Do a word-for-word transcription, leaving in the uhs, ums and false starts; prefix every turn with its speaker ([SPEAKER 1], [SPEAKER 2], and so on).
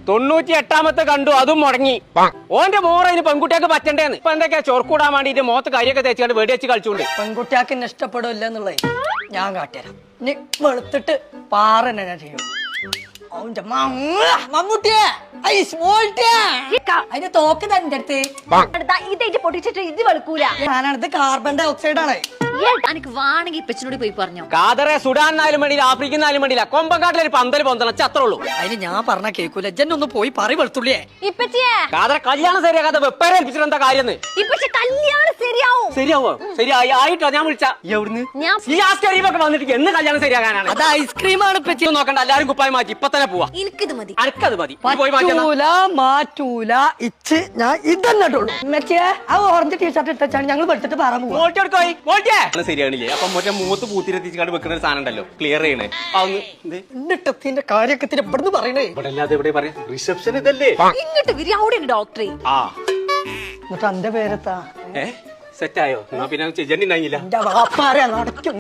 [SPEAKER 1] തൊണ്ണൂറ്റി എട്ടാമത്തെ കണ്ടു, അതും മുടങ്ങി. ഓന്റെ മോറ ഇനി പെൺകുട്ടിയൊക്കെ പറ്റണ്ടേന്ന്. ഇപ്പൊ എന്തൊക്കെയാ ചൊർക്കൂടാൻ വേണ്ടിട്ട് മോത്ത് കരിയൊക്കെ തേച്ചുകൊണ്ട് വെടി വെച്ച് കളിച്ചുകൊണ്ട്.
[SPEAKER 2] പെൺകുട്ടിയാക്ക് എന്നെ ഇഷ്ടപ്പെടില്ല എന്നുള്ളത് ഞാൻ കാട്ടിത്തരാം. ഇനി വെളുത്തിട്ട് പാറ തന്നെ ഞാൻ ചെയ്യും. മമ്മൂട്ടിയെ അതിന്റെ തോക്ക് തന്റെ അടുത്ത്
[SPEAKER 3] ഇതായിട്ട് പൊട്ടിച്ചിട്ട് ഇത് വെളുക്കൂല.
[SPEAKER 2] ഞാനാണിത് കാർബൺ ഡൈ ഓക്സൈഡ് ആണ്.
[SPEAKER 3] എനിക്ക് വേണമെങ്കിൽ ഇപ്പച്ചനോട് പോയി പറഞ്ഞോ.
[SPEAKER 1] കാതറെ സുഡാനായാലും വേണ്ടിയില്ല, ആഫ്രിക്കനായാലും വേണ്ടിയില്ല, കൊമ്പങ്കാട്ടിലൊരു പന്തൽ പൊന്തണം അത്രേ ഉള്ളൂ.
[SPEAKER 2] അതിന് ഞാൻ പറഞ്ഞ കേൾക്കൂല. ജൻ ഒന്ന് പോയി പറ വെളുത്തുള്ളിയെ.
[SPEAKER 3] ഇപ്പച്ചിയെ
[SPEAKER 1] കാതറെ കല്യാണം ശരിയാക്കാതെ വെപ്പേരെ ഏൽപ്പിച്ചിട്ട് എന്താ കാര്യം?
[SPEAKER 3] ഇപ്പച്ചി കല്യാണം ശരിയാവും.
[SPEAKER 1] ശരിയാവോ? ശരിയായി ആയിട്ടോ ഞാൻ വിളിച്ച എവിടുന്ന്
[SPEAKER 3] ഞാൻ
[SPEAKER 1] ഈ ആസ്കരീമൊക്കെ വന്നിട്ട് എന്ന് കല്യാണം ശരിയാകാനാണ്?
[SPEAKER 2] അത് ഐസ്ക്രീമാണ് ഇപ്പച്ചി.
[SPEAKER 1] നോക്കണ്ട, എല്ലാരും കുപ്പായി മാറ്റി ഇപ്പൊ തന്നെ പോവാ.
[SPEAKER 3] എനിക്കിത് മതി.
[SPEAKER 1] അനക്കത് മതി. പോയി മാറ്റി
[SPEAKER 2] പറ്റൂല, മാറ്റൂല. ഇച്ച് ഞാൻ ഇതന്നെ ഇട്ടുള്ളൂ. ഉമ്മച്ചിയെ ആ ഓറഞ്ച് ടീഷർട്ട് ഇട്ടാണ് ഞങ്ങൾ വെളുത്തിട്ട് പറ പോവാ.
[SPEAKER 1] ശരിയാണില്ലേ? അപ്പൊ മറ്റേ മൂത്ത് പൂത്തിരെത്തിച്ചാണ്ട് വെക്കുന്ന ഒരു സാധനം ഉണ്ടല്ലോ, ക്ലിയർ ചെയ്യണേ.
[SPEAKER 2] എന്നിട്ടത്തിന്റെ കാര്യൊക്കെ ഇവിടുന്ന് പറയണേ.
[SPEAKER 1] ഇവിടെ അല്ലാതെ ഇവിടെ പറയാ റിസപ്ഷൻ ഇതല്ലേ?
[SPEAKER 3] ഇങ്ങോട്ട് വരി, അവിടെ ഡോക്ടറെ.
[SPEAKER 1] ആ
[SPEAKER 2] എന്നിട്ട് എന്റെ പേരെത്താ
[SPEAKER 1] ഏ സെറ്റായോ? പിന്നെ ചെജണ്ടി ഉണ്ടായില്ല.
[SPEAKER 2] എന്റെ വാപ്പാരെ നടക്കും.